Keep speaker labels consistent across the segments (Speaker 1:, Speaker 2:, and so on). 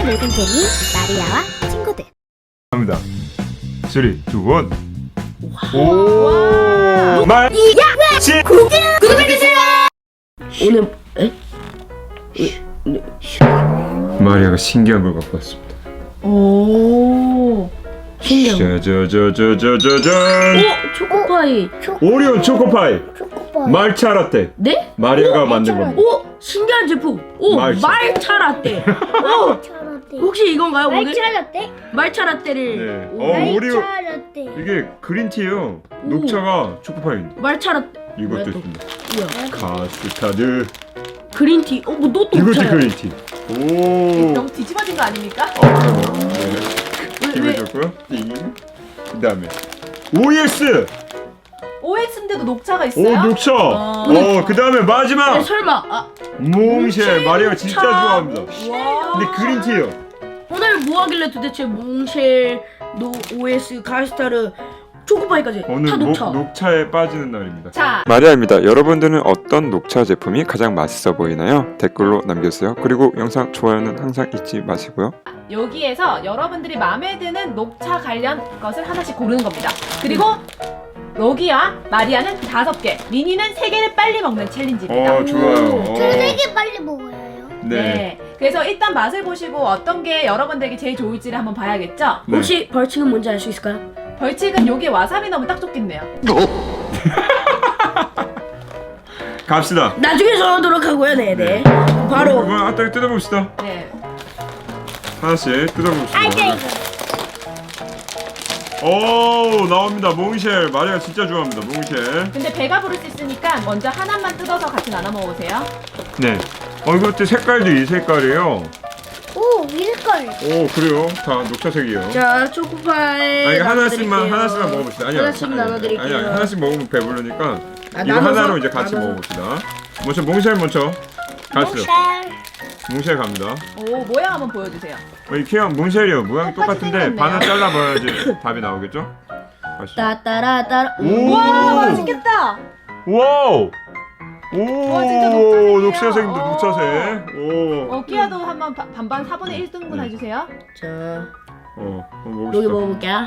Speaker 1: 놀던 재미 마리아와 친구들.
Speaker 2: 갑니다. 3, 2, 1.
Speaker 3: 와.
Speaker 2: 오! 말!
Speaker 1: 구독해주세요.
Speaker 3: 오늘
Speaker 2: 마리아가 신기한 걸 갖고 왔습니다.
Speaker 3: 오 신기한
Speaker 2: 짜자자자자자잔!
Speaker 3: 오 초코파이.
Speaker 2: 오리오 초코파이!
Speaker 1: 초코파이.
Speaker 2: 말차 라떼!
Speaker 3: 네?
Speaker 2: 마리아가 만든 겁니다.
Speaker 3: 오 신기한 제품. 오
Speaker 2: 말차.
Speaker 3: 말차 라떼. 오
Speaker 1: 차라떼.
Speaker 3: 혹시 이건가요 오늘?
Speaker 1: 말차라떼?
Speaker 3: 말차 라떼를.
Speaker 2: 네.
Speaker 3: 오,
Speaker 2: 오리오
Speaker 1: 말차라떼.
Speaker 2: 이게 그린티예요. 녹차가 초코파이인데
Speaker 3: 말차 라떼.
Speaker 2: 이것도
Speaker 3: 뭐야, 또?
Speaker 2: 있습니다.
Speaker 3: 뭐야?
Speaker 2: 카스타드
Speaker 3: 그린티. 뭐또
Speaker 2: 이것도
Speaker 3: 녹차야.
Speaker 2: 그린티. 오.
Speaker 4: 너무 뒤집어진 거 아닙니까?
Speaker 2: 네. 기분 좋고요. 띵. 그다음에 OS.
Speaker 4: OX인데도 녹차가
Speaker 2: 오
Speaker 4: 있어요?
Speaker 2: 녹차.
Speaker 4: 어.
Speaker 2: 그다음에 마지막
Speaker 3: 네, 설마
Speaker 2: 몽쉘. 마리아가 진짜
Speaker 3: 녹차.
Speaker 2: 좋아합니다.
Speaker 4: 와.
Speaker 2: 근데 그린티예요.
Speaker 3: 오늘 뭐 하길래 도대체 몽쉘, OS, 가스타르, 초코파이까지
Speaker 2: 오늘
Speaker 3: 다 녹차.
Speaker 2: 녹차에 빠지는 날입니다.
Speaker 4: 자,
Speaker 5: 마리아입니다. 여러분들은 어떤 녹차 제품이 가장 맛있어 보이나요? 댓글로 남겨주세요. 그리고 영상 좋아요는 항상 잊지 마시고요.
Speaker 4: 여기에서 여러분들이 마음에 드는 녹차 관련 것을 하나씩 고르는 겁니다. 그리고 여기와 마리아는 5개, 미니는 3개를 빨리 먹는 챌린지입니다.
Speaker 2: 좋아요.
Speaker 1: 되게 빨리 먹어야 해요.
Speaker 2: 네.
Speaker 4: 그래서 일단 맛을 보시고 어떤 게 여러분들에게 제일 좋을지를 한번 봐야겠죠?
Speaker 2: 네.
Speaker 3: 혹시 벌칙은 뭔지 알 수 있을까요?
Speaker 4: 벌칙은 여기에 와사비 넣으면 딱 좋겠네요.
Speaker 2: 갑시다.
Speaker 3: 나중에 정하도록 하고요. 네네. 바로
Speaker 2: 이거 한번 뜯어봅시다.
Speaker 4: 네.
Speaker 2: 하나씩 뜯어봅시다.
Speaker 1: 알게.
Speaker 2: 오 나옵니다. 몽쉘. 마리아 진짜 좋아합니다. 몽쉘.
Speaker 4: 근데 배가 부를 수 있으니까 먼저 하나만 뜯어서 같이 나눠 먹으세요.
Speaker 2: 네. 이것도 색깔도 이 색깔이에요.
Speaker 1: 오, 밀걸.
Speaker 2: 오 그래요. 다 녹차색이에요.
Speaker 3: 자 초코파이.
Speaker 2: 아니 하나씩만
Speaker 3: 나눠드릴게요.
Speaker 2: 먹어봅시다. 아니요.
Speaker 3: 하나씩 나눠드릴게요.
Speaker 2: 아니 하나씩 먹으면 배부르니까
Speaker 3: 아,
Speaker 2: 이거
Speaker 3: 나눠서?
Speaker 2: 하나로 이제 같이
Speaker 3: 나눠서.
Speaker 2: 먹어봅시다. 먼저 몽쉘 먼저 가시죠.
Speaker 1: 몽쉘.
Speaker 2: 몽쉘 갑니다.
Speaker 4: 오, 모양 한번 보여주세요.
Speaker 2: 이케아 몽쉘이요. 모양이
Speaker 4: 똑같이
Speaker 2: 똑같은데
Speaker 4: 생겼네요.
Speaker 2: 반을 잘라봐야지 답이 나오겠죠? 가시죠.
Speaker 3: 따따라따라.
Speaker 2: 오!
Speaker 4: 와, 맛있겠다.
Speaker 2: 와우! 오!
Speaker 4: 와, 진짜 녹차색이에요.
Speaker 2: 녹차색입니다.
Speaker 4: 오.
Speaker 2: 녹차색. 오.
Speaker 4: 끼야도 한번 반반 4분의 1등분
Speaker 2: 네.
Speaker 4: 해주세요.
Speaker 3: 자
Speaker 2: 한번
Speaker 3: 여기
Speaker 2: 먹읍시다.
Speaker 3: 먹어볼게요.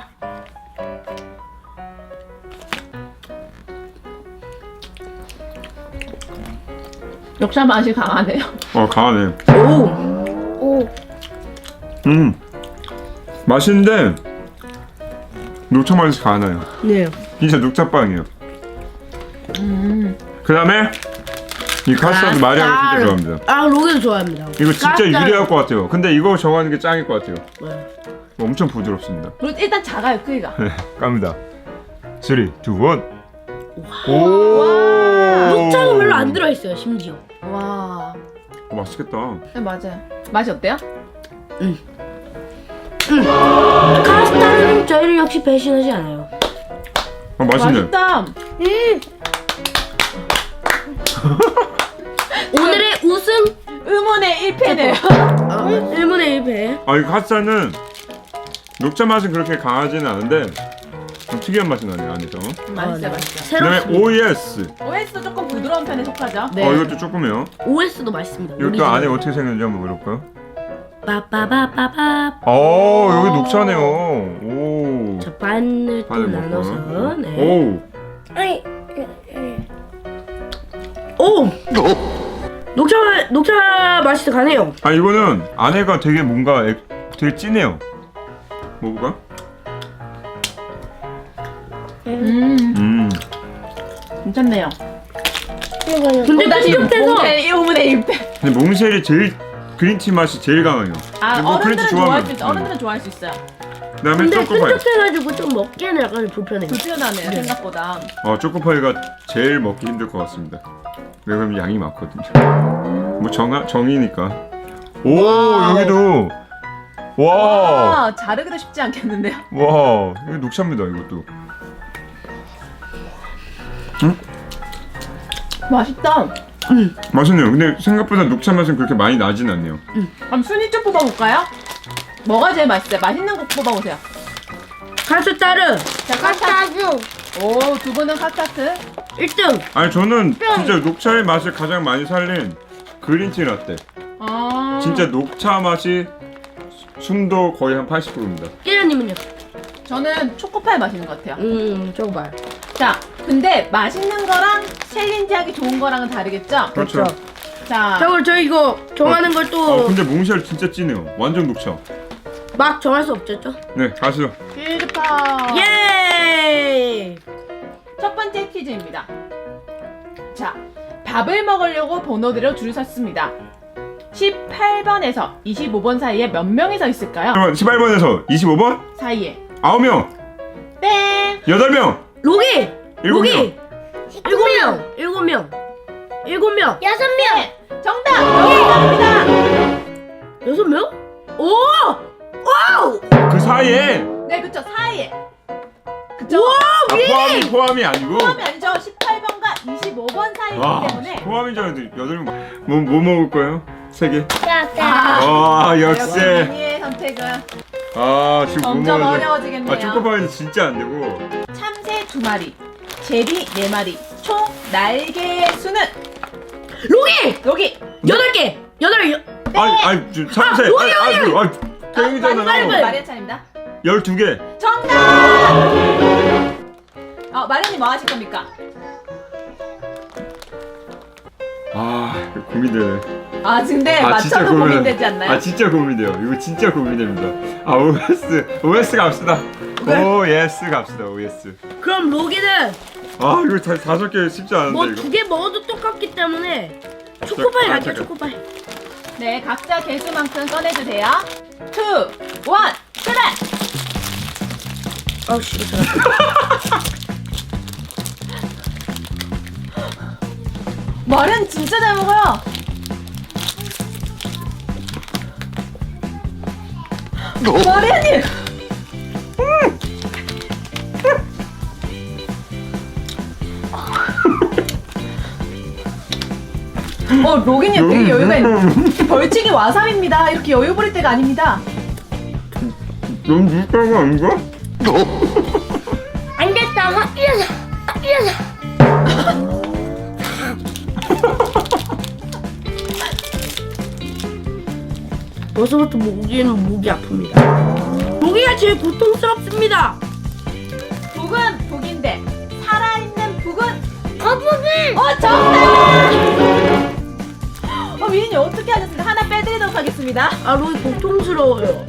Speaker 4: 녹차 맛이 강하네요.
Speaker 2: 강하네.
Speaker 3: 오.
Speaker 1: 오.
Speaker 2: 맛있는데 녹차 맛이 강하네요.
Speaker 3: 네.
Speaker 2: 진짜 녹차빵이에요. 그 다음에 이 카스타드 마리아가 진짜 좋아합니다.
Speaker 3: 아 로게도 좋아합니다.
Speaker 2: 이거 진짜
Speaker 3: 카스타드.
Speaker 2: 유리할 것 같아요. 근데 이거 정하는 게 짱일 것 같아요.
Speaker 3: 네.
Speaker 2: 엄청 부드럽습니다.
Speaker 4: 그리고 일단 작아요, 크기가.
Speaker 2: 네, 갑니다. 3, 2, 1. 오!
Speaker 3: 녹차는 별로 안 들어있어요 심지어.
Speaker 4: 와,
Speaker 2: 맛있겠다.
Speaker 4: 네, 맞아요. 맛이 어때요?
Speaker 3: 카스타르는 저희를 역시 배신하지 않아요.
Speaker 2: 맛있네.
Speaker 4: 맛있다.
Speaker 3: 오늘의 우승
Speaker 4: 의문의 1패네요.
Speaker 3: 1분의 1패.
Speaker 2: 이 카스타는 녹차 맛은 그렇게 강하지는 않은데 좀 특이한 맛이 나네요 안에서.
Speaker 4: 맛있어요, 맛있어요.
Speaker 2: 그다음에
Speaker 3: 새롭습니다.
Speaker 2: OS.
Speaker 4: OS도 조금 부드러운 편에 속하죠.
Speaker 3: 네.
Speaker 2: 이것도 조금해요.
Speaker 3: OS도 맛있습니다.
Speaker 2: 이것도 안에 어떻게 생겼는지 한번 물어볼까요?
Speaker 3: 빠빠빠빠빠.
Speaker 2: 여기 녹차네요. 오.
Speaker 3: 자 반을 또
Speaker 2: 반을
Speaker 3: 나눠서.
Speaker 2: 먹고.
Speaker 3: 네.
Speaker 2: 오.
Speaker 1: 아이.
Speaker 3: 오. 녹차 맛이 더 가네요.
Speaker 2: 이거는 안에가 되게 뭔가 되게 진해요. 먹어볼까?
Speaker 4: 괜찮네요.
Speaker 3: 근데 나 시럽해서
Speaker 4: 5분의 1패.
Speaker 2: 근데 몽쉘이 제일 그린티 맛이 제일 강해요.
Speaker 4: 아,
Speaker 2: 이거 그린티
Speaker 4: 어른들은
Speaker 2: 좋아하면.
Speaker 4: 좋아할 수 있어. 어른들은 좋아할 수 있어요.
Speaker 2: 그다음에
Speaker 3: 근데
Speaker 2: 초코파이.
Speaker 3: 끈적해가지고 좀 먹기에는 약간 불편해요.
Speaker 4: 불편하네요, 생각보다.
Speaker 2: 초코파이가 제일 먹기 힘들 것 같습니다. 왜냐면 양이 많거든요. 뭐 정이니까. 오
Speaker 3: 와우.
Speaker 2: 여기도 와.
Speaker 4: 자르기도 쉽지 않겠는데요?
Speaker 2: 와 이거 녹차입니다 이것도.
Speaker 4: 맛있다.
Speaker 2: 맛있네요. 근데 생각보다 녹차 맛은 그렇게 많이 나진 않네요.
Speaker 4: 그럼 순위 좀 뽑아볼까요? 뭐가 제일 맛있어요? 맛있는 거 뽑아보세요.
Speaker 3: 카스타르
Speaker 4: 자,
Speaker 1: 카스타드.
Speaker 4: 오, 두 분은 카스타트.
Speaker 3: 1등.
Speaker 2: 저는 진짜 녹차의 맛을 가장 많이 살린 그린티 라떼.
Speaker 4: 아,
Speaker 2: 진짜 녹차 맛이 순도 거의 한 80%입니다.
Speaker 3: 깨라님은요?
Speaker 4: 저는 초코파이 마시는 것 같아요.
Speaker 3: 저거 봐요.
Speaker 4: 자, 근데 맛있는 거랑 챌린지하기 좋은 거랑은 다르겠죠?
Speaker 2: 그렇죠.
Speaker 4: 자,
Speaker 3: 자, 그럼 저희 이거 정하는 걸 또
Speaker 2: 근데 몽쉘 진짜 진해요. 완전 녹차.
Speaker 3: 막 정할 수 없죠?
Speaker 2: 네, 가시죠.
Speaker 4: 필드파.
Speaker 3: 예!
Speaker 4: 첫 번째 퀴즈입니다. 자, 밥을 먹으려고 번호대로 줄을 섰습니다. 18번에서 25번 사이에 몇 명이 서 있을까요?
Speaker 2: 그러면 18번에서 25번?
Speaker 4: 사이에
Speaker 2: 9명,
Speaker 4: 땡!
Speaker 2: 8명,
Speaker 3: 로기!
Speaker 2: 7명.
Speaker 3: 7명! 7명! 7명!
Speaker 1: 6명.
Speaker 4: 정답! 정답입니다.
Speaker 3: 6명? 오! 와우!
Speaker 2: 그 사이에
Speaker 4: 네, 그쵸, 사이에. 그쵸?
Speaker 2: 포함이 아니고.
Speaker 4: 포함이 아니죠. 18번과 25번 사이이기
Speaker 2: 와,
Speaker 4: 때문에.
Speaker 2: 포함인 줄 알았는데 8명. 뭐 먹을 거예요? 3개.
Speaker 1: 자.
Speaker 2: 와, 역시.
Speaker 4: 여러분의 선택은
Speaker 2: 아, 지금
Speaker 4: 점점
Speaker 2: 먹어야 돼.
Speaker 4: 어려워지겠네요.
Speaker 2: 아, 초코파이는 진짜 안 되고.
Speaker 4: 참새 2마리, 제비 4마리, 총 날개의 수는
Speaker 3: 로기!
Speaker 4: 여기
Speaker 3: 8개! 8개!
Speaker 2: 아니, 지금 참새. 땡이잖아요.
Speaker 4: 마리아 차례입니다.
Speaker 2: 12개.
Speaker 4: 정답! 마리아님 뭐 하실 겁니까?
Speaker 2: 아, 고민되네.
Speaker 4: 근데
Speaker 2: 진짜
Speaker 4: 맞춰도 고민되지 않나요?
Speaker 2: 아, 진짜 고민돼요. 이거 진짜 고민됩니다. 아, OS 갑시다. OS 갑시다. OS.
Speaker 3: 그럼 로기는
Speaker 2: 아, 이거 5개 쉽지 않은데
Speaker 3: 뭐
Speaker 2: 이거.
Speaker 3: 2개 먹어도 똑같기 때문에 초코파이 갈게요,
Speaker 2: 잠깐.
Speaker 3: 초코파이.
Speaker 4: 네, 각자 개수만큼 꺼내주세요. 2, 1, 그래!
Speaker 3: 아우 씨, 이거 잘한다.
Speaker 4: 마리아는 진짜 잘 먹어요. 마리아님! 로기님 되게 여유가 있네. 벌칙이 와사비입니다. 이렇게 여유 부릴 때가 아닙니다.
Speaker 2: 너무 무식한 거 아닌가?
Speaker 1: 안 됐다. 이래서.
Speaker 3: 벌써부터 목이 아픕니다. 목이가 제일 고통스럽습니다.
Speaker 4: 북은 북인데 살아있는 북은
Speaker 1: 거북이.
Speaker 4: 정답! 미인이 어떻게 하셨습니까? 하나 빼드리도록 하겠습니다.
Speaker 3: 아, 로기 고통스러워요.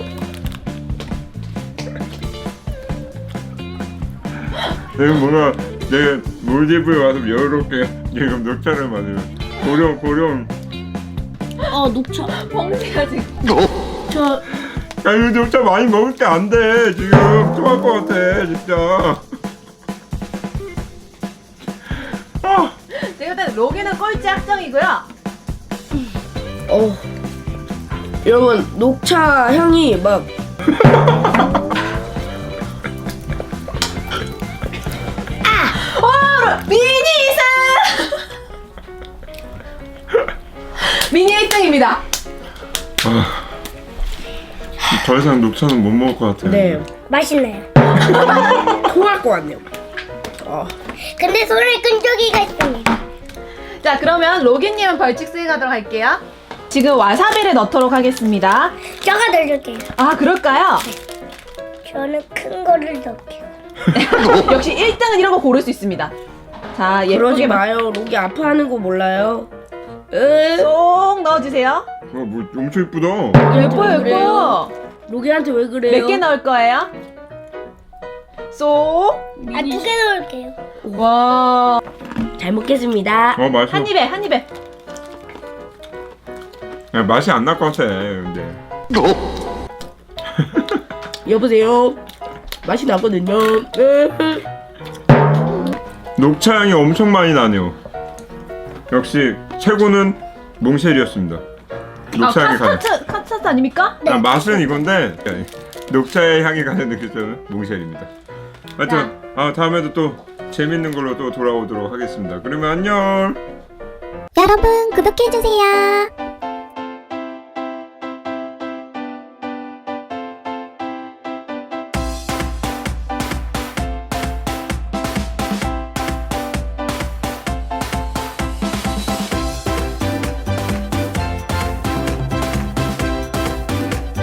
Speaker 2: 내가 뭔가 내 몰디브에 와서 여유롭게 지금 녹차를 마시면 고령.
Speaker 3: 녹차.
Speaker 4: 봉지가 지금
Speaker 3: 저
Speaker 2: 야, 이거 녹차 많이 먹을 때 안 돼. 지금 토할 것 같아 진짜.
Speaker 4: 제가 일단 로기는 꼴찌 확정이고요.
Speaker 3: 여러분 녹차 향이 막
Speaker 4: 미니 2승! 미니 1등입니다.
Speaker 2: 더 이상 녹차는 못 먹을 것 같아요.
Speaker 3: 네,
Speaker 1: 맛있네요.
Speaker 3: 토할 것 같네요.
Speaker 1: 근데 손을 끈 적이가 있습니다.
Speaker 4: 자, 그러면 로기님은 벌칙 수행하도록 할게요. 지금 와사비를 넣도록 하겠습니다.
Speaker 1: 저가 넣어줄게요.
Speaker 4: 그럴까요?
Speaker 1: 저는 큰 거를 넣을게요.
Speaker 4: 역시 1등은 이런 거 고를 수 있습니다. 자,
Speaker 3: 그러지
Speaker 4: 예쁘게
Speaker 3: 마요. 로기 아파하는 거 몰라요.
Speaker 4: 쏙 넣어주세요.
Speaker 2: 뭐 엄청 이쁘다.
Speaker 4: 예뻐요,
Speaker 3: 그래요?
Speaker 4: 예뻐.
Speaker 3: 로기한테 왜 그래요?
Speaker 4: 몇 개 넣을 거예요? 쏙.
Speaker 1: 2개 넣을게요.
Speaker 4: 와.
Speaker 3: 잘 먹겠습니다.
Speaker 2: 맛있어.
Speaker 4: 한 입에, 한 입에.
Speaker 2: 야, 맛이 안 날 것 같아. 근데.
Speaker 3: 여보세요. 맛이 나거든요.
Speaker 2: 녹차 향이 엄청 많이 나네요. 역시 최고는 몽쉘이었습니다. 녹차 향이 가는.
Speaker 4: 카스타트 아닙니까?
Speaker 2: 맛은 이건데 녹차의 향이 가는 느낌은 몽쉘입니다. 하여튼 다음에도 또 재밌는 걸로 또 돌아오도록 하겠습니다. 그러면 안녕.
Speaker 6: 여러분 구독해주세요.